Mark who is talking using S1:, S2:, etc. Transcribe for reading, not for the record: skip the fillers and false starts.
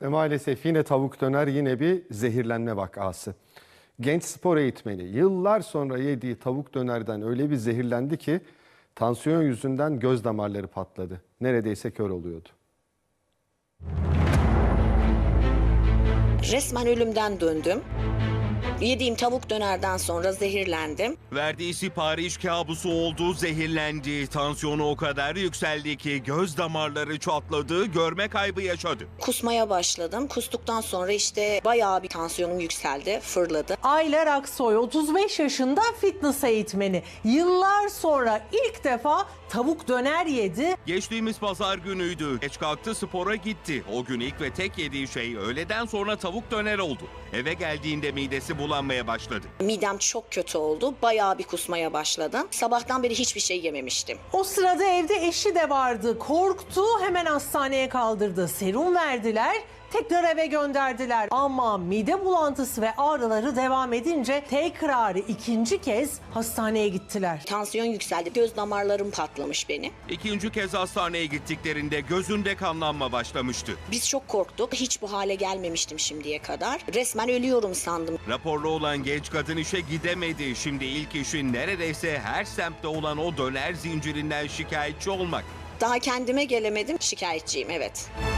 S1: Ve maalesef yine tavuk döner, yine bir zehirlenme vakası. Genç spor eğitmeni yıllar sonra yediği tavuk dönerden öyle bir zehirlendi ki tansiyon yüzünden göz damarları patladı. Neredeyse kör oluyordu.
S2: Resmen ölümden döndüm. Yediğim tavuk dönerden sonra zehirlendim.
S3: Verdiği sipariş kabusu oldu, zehirlendi. Tansiyonu o kadar yükseldi ki göz damarları çatladı, görme kaybı yaşadı.
S2: Kusmaya başladım. Kustuktan sonra işte bayağı bir tansiyonum yükseldi, fırladı.
S4: Aylar Aksoy 35 yaşında fitness eğitmeni. Yıllar sonra ilk defa tavuk döner yedi.
S3: Geçtiğimiz pazar günüydü. Geç kalktı, spora gitti. O gün ilk ve tek yediği şey öğleden sonra tavuk döner oldu. Eve geldiğinde midesi bulanmaya başladı.
S2: Midem çok kötü oldu. Bayağı bir kusmaya başladım. Sabahtan beri hiçbir şey yememiştim.
S4: O sırada evde eşi de vardı. Korktu, hemen hastaneye kaldırdı. Serum verdiler, tekrar eve gönderdiler. Ama mide bulantısı ve ağrıları devam edince tekrar ikinci kez hastaneye gittiler.
S2: Tansiyon yükseldi. Göz damarlarım patlamış benim.
S3: İkinci kez hastaneye gittiklerinde gözünde kanlanma başlamıştı.
S2: Biz çok korktuk. Hiç bu hale gelmemiştim şimdiye kadar. Resmen ölüyorum sandım.
S3: Raporlu olan genç kadın işe gidemedi. Şimdi ilk işi neredeyse her semtte olan o döner zincirinden şikayetçi olmak.
S2: Daha kendime gelemedim. Şikayetçiyim, evet.